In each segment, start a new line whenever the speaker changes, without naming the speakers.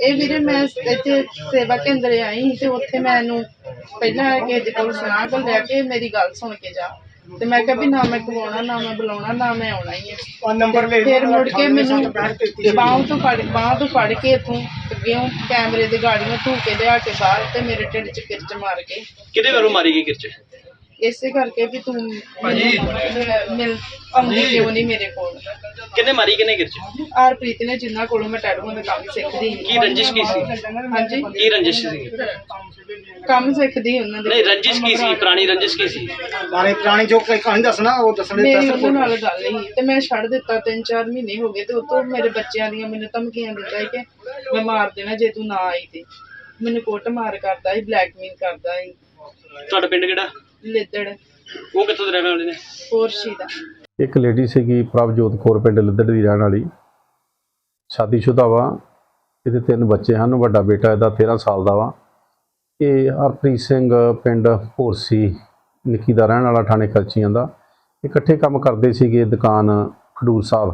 ਇਹ ਵੀਰੇ ਮੈਂ ਇੱਥੇ ਸੇਵਾ ਕੇਂਦਰ ਆਈ ਤੇ ਉੱਥੇ ਮੈਨੂੰ ਪਹਿਲਾਂ ਕਿਸੇ ਦੇ ਕੋਲ ਸੁਣਾ ਕੇ ਲਿਆ ਕੇ ਮੇਰੀ ਗੱਲ ਸੁਣ ਕੇ ਜਾ ਤੇ ਮੈਂ ਕਿਹਾ ਵੀ ਨਾ ਮੈਂ ਖਵਾਉਣਾ ਨਾ ਮੈਂ ਬੁਲਾਉਣਾ ਨਾ ਮੈਂ ਆਉਣਾ ਹੀ ਹੈ। ਫਿਰ ਮੁੜ ਕੇ ਮੈਨੂੰ ਬਾਂਹ ਤੋਂ ਫੜ ਕੇ ਇੱਥੋਂ ਅੱਗਿਓਂ ਕੈਮਰੇ ਦੀ ਗਾੜੀਆਂ ਧੂ ਕੇ ਲਿਆ ਕੇ ਬਾਹਰ ਤੇ ਮੇਰੇ ਢਿੱਡ 'ਚ ਕਿਰਚ ਮਾਰ ਕੇ।
ਕਿਹਦੇ ਵੱਲੋਂ ਮਾਰੀ ਗਈ ਕਿਰਚ?
ਇਸੇ ਕਰਕੇ ਵੀ ਤੂੰ ਮਿਲ ਆਉਂਦੀ ਕਿਉਂ ਨਹੀਂ ਮੇਰੇ ਕੋਲ।
ਕਿਹਨੇ ਮਾਰੀ ਕਿਹਨੇ ਕਿਰਚ?
ਹਰਪ੍ਰੀਤ ਨੇ, ਜਿੰਨਾ ਕੋਲੋਂ ਮੈਂ ਟੈਟੂਆਂ ਦਾ ਕੰਮ ਸਿੱਖਦੀ।
ਕੀ ਰੰਜਿਸ਼ ਕੀ ਸੀ?
ਹਾਂਜੀ,
ਕੀ ਰੰਜਿਸ਼ ਸੀ?
ਕੰਮ ਸਿੱਖਦੀ ਉਹਨਾਂ ਦੇ।
ਨਹੀਂ, ਰੰਜਿਸ਼ ਕੀ ਸੀ? ਪੁਰਾਣੀ ਰੰਜਿਸ਼ ਕੀ ਸੀ?
ਪੁਰਾਣੀ ਜੋ ਕੋਈ ਕਹਾਣੀ ਦੱਸਣਾ ਉਹ ਦੱਸਣੇ।
ਮੇਰੀ ਉਹਨਾਂ ਨਾਲ ਗੱਲ ਹੀ ਤੇ ਮੈਂ ਛੱਡ ਦਿੱਤਾ। 3-4 ਮਹੀਨੇ ਹੋ ਗਏ ਤੇ ਉਤੋਂ ਮੇਰੇ ਬੱਚਿਆਂ ਦੀਆਂ ਮੈਨੂੰ ਧਮਕੀਆਂ ਦਿੱਤਾ ਕਿ ਮੈਂ ਮਾਰ ਦੇਣਾ ਜੇ ਤੂੰ ਨਾ ਆਈ ਤੇ। ਮੈਨੂੰ ਕੁੱਟ ਮਾਰ ਕਰਦਾ ਸੀ, ਬਲੈਕਮੇਲ ਕਰਦਾ ਸੀ।
ਤੁਹਾਡਾ ਪਿੰਡ ਕਿਹੜਾ?
ਲਿੱਦੜ।
ਉਹ ਕਿੱਥੋਂ ਦੇ ਰਹਿਣ ਵਾਲੇ ਨੇ?
ਪੋਰਸ਼ੀ ਦਾ।
ਇੱਕ ਲੇਡੀ ਸੀਗੀ ਪ੍ਰਭਜੋਤ ਕੌਰ, ਪਿੰਡ ਲਿੱਦੜ ਦੀ ਰਹਿਣ ਵਾਲੀ, ਸ਼ਾਦੀशुदा ਵਾ। ਇਹਦੇ 3 ਬੱਚੇ ਹਨ। ਵੱਡਾ ਬੇਟਾ ਇਹਦਾ 13 ਸਾਲ ਦਾ ਵਾ। ਇਹ ਹਰਪ੍ਰੀਤ ਸਿੰਘ ਪਿੰਡ ਭੋਰਸੀ ਨਿੱਕੀ ਦਾ ਰਹਿਣ ਵਾਲਾ, ਥਾਣੇ ਖਰਚੀਆਂ ਦਾ। ਇਕੱਠੇ ਕੰਮ ਕਰਦੇ ਸੀਗੇ ਦੁਕਾਨ ਖਡੂਰ ਸਾਹਿਬ।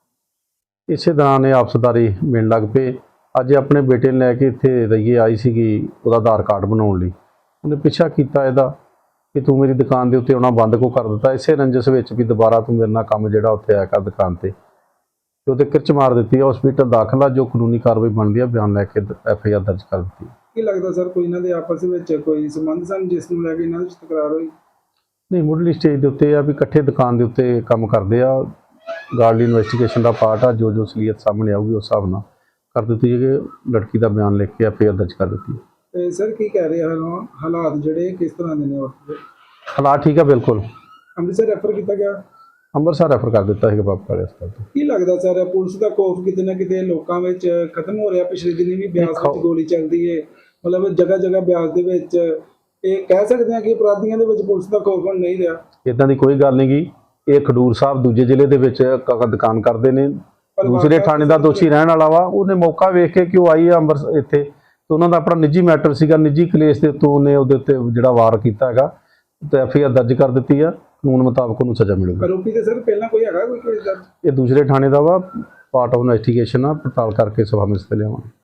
ਇਸੇ ਦੌਰਾਨ ਇਹ ਆਪਸਦਾਰੀ ਮਿਲਣ ਲੱਗ ਪਏ। ਅੱਜ ਆਪਣੇ ਬੇਟੇ ਨੂੰ ਲੈ ਕੇ ਇੱਥੇ ਰਈਏ ਆਈ ਸੀਗੀ ਉਹਦਾ ਆਧਾਰ ਕਾਰਡ ਬਣਾਉਣ ਲਈ। ਉਹਨੇ ਪਿੱਛਾ ਕੀਤਾ ਇਹਦਾ ਕਿ ਤੂੰ ਮੇਰੀ ਦੁਕਾਨ ਦੇ ਉੱਤੇ ਆਉਣਾ ਬੰਦ ਕਿਉਂ ਕਰ ਦਿੱਤਾ। ਇਸੇ ਰੰਜਸ ਵਿੱਚ ਵੀ ਦੁਬਾਰਾ ਤੂੰ ਮੇਰੇ ਨਾਲ ਕੰਮ ਜਿਹੜਾ ਉੱਥੇ ਆਇਆ ਕਰ ਦੁਕਾਨ ਤੇ ਉਹਦੇ ਕਿਰਚ ਮਾਰ ਦਿੱਤੀ। ਹਸਪੀਟਲ ਦਾਖਲ ਆ, ਜੋ ਕਾਨੂੰਨੀ ਕਾਰਵਾਈ ਬਣਦੀ ਆ ਬਿਆਨ ਲੈ ਕੇ FIR ਦਰਜ ਕਰ ਦਿੱਤੀ।
ਕੀ ਲੱਗਦਾ ਸਰ ਕੋਈ ਇਹਨਾਂ ਦੇ ਆਪਸ ਵਿੱਚ ਕੋਈ ਸੰਬੰਧ ਸਨ ਜਿਸ ਨੂੰ ਲੈ ਕੇ ਇਹਨਾਂ ਵਿੱਚ ਤਕਰਾਰ ਹੋਈ?
ਨਹੀਂ, ਮੁੱਢਲੀ ਸਟੇਜ ਦੇ ਉੱਤੇ ਆ ਵੀ ਇਕੱਠੇ ਦੁਕਾਨ ਦੇ ਉੱਤੇ ਕੰਮ ਕਰਦੇ ਆ। ਗਾਰਡਲੀ ਇਨਵੈਸਟੀਗੇਸ਼ਨ ਦਾ ਪਾਰਟ ਆ। ਜੋ ਅਸਲੀਅਤ ਸਾਹਮਣੇ ਆਊਗੀ ਉਸ ਹਿਸਾਬ ਨਾਲ ਕਰ ਦਿੱਤੀ ਹੈ ਕਿ ਲੜਕੀ ਦਾ ਬਿਆਨ ਲਿਖ ਕੇ FIR ਦਰਜ ਕਰ ਦਿੱਤੀ।
ਤੇ ਸਰ ਕੀ ਕਹਿ ਰਹੇ ਹਨ ਹਾਲਾਤ ਜਿਹੜੇ ਕਿਸ ਤਰ੍ਹਾਂ ਦੇ ਨੇ?
ਹਾਲਾਤ ਠੀਕ ਆ, ਬਿਲਕੁਲ।
ਅੰਮ੍ਰਿਤਸਰ ਰੈਫਰ ਕੀਤਾ ਗਿਆ?
ਅੰਮ੍ਰਿਤਸਰ ਰੈਫਰ ਕਰ ਦਿੱਤਾ ਹੈਗਾ ਬਾਪ ਵਾਲੇ ਹਸਪਤਾਲ ਤੋਂ।
ਕੀ ਲੱਗਦਾ ਸਰ ਪੁਲਿਸ ਦਾ ਖੌਫ ਕਿਤੇ ਨਾ ਕਿਤੇ ਲੋਕਾਂ ਵਿੱਚ ਖਤਮ ਹੋ ਰਿਹਾ? ਪਿਛਲੇ ਦਿਨੀ ਵੀ ਬਿਆਸ ਵਿੱਚ ਗੋਲੀ ਚੱਲਦੀ ਹੈ, ਮਤਲਬ ਜਗ੍ਹਾ ਜਗ੍ਹਾ ਬਿਆਸ ਦੇ ਵਿੱਚ। ਇਹ ਕਹਿ ਸਕਦੇ ਹਾਂ ਕਿ ਅਪਰਾਧੀਆਂ ਦੇ ਵਿੱਚ ਪੁਲਿਸ ਦਾ ਖੌਫ ਹੁਣ ਨਹੀਂ ਰਿਹਾ?
ਇੱਦਾਂ ਦੀ ਕੋਈ ਗੱਲ ਨਹੀਂ ਗੀ। ਇਹ ਖਡੂਰ ਸਾਹਿਬ ਦੂਜੇ ਜ਼ਿਲ੍ਹੇ ਦੇ ਵਿੱਚ ਦੁਕਾਨ ਕਰਦੇ ਨੇ। ਦੂਸਰੇ ਥਾਣੇ ਦਾ ਦੋਸ਼ੀ ਰਹਿਣ ਵਾਲਾ ਵਾ। ਉਹਨੇ ਮੌਕਾ ਵੇਖ ਕੇ ਕਿ ਉਹ ਆਈ ਆ ਅੰਮ੍ਰਿਤਸਰ ਇੱਥੇ, ਤੇ ਉਹਨਾਂ ਦਾ ਆਪਣਾ ਨਿੱਜੀ ਮੈਟਰ ਸੀਗਾ, ਨਿੱਜੀ ਕਲੇਸ਼ ਦੇ ਉੱਤੋਂ ਉਹਨੇ ਉਹਦੇ ਉੱਤੇ ਜਿਹੜਾ ਵਾਰ ਕੀਤਾ ਹੈਗਾ ਤੇ FIR ਦਰਜ ਕਰ ਦਿੱਤੀ ਆ। ਕਾਨੂੰਨ ਮੁਤਾਬਕ ਉਹਨੂੰ ਸਜ਼ਾ ਮਿਲੇਗੀ।
ਆਰੋਪੀ ਤੇ ਸਰ ਪਹਿਲਾਂ ਕੋਈ ਹੈਗਾ ਕੋਈ ਕੇਸ ਦਰਜ?
ਇਹ ਦੂਸਰੇ ਥਾਣੇ ਦਾ ਵਾ, ਪਾਰਟ ਆਫ ਇਨਵੈਸਟੀਗੇਸ਼ਨ ਆ, ਪੜਤਾਲ ਕਰਕੇ ਸਭਾ ਵਿੱਚ ਲਿਆਵਾਂਗੇ।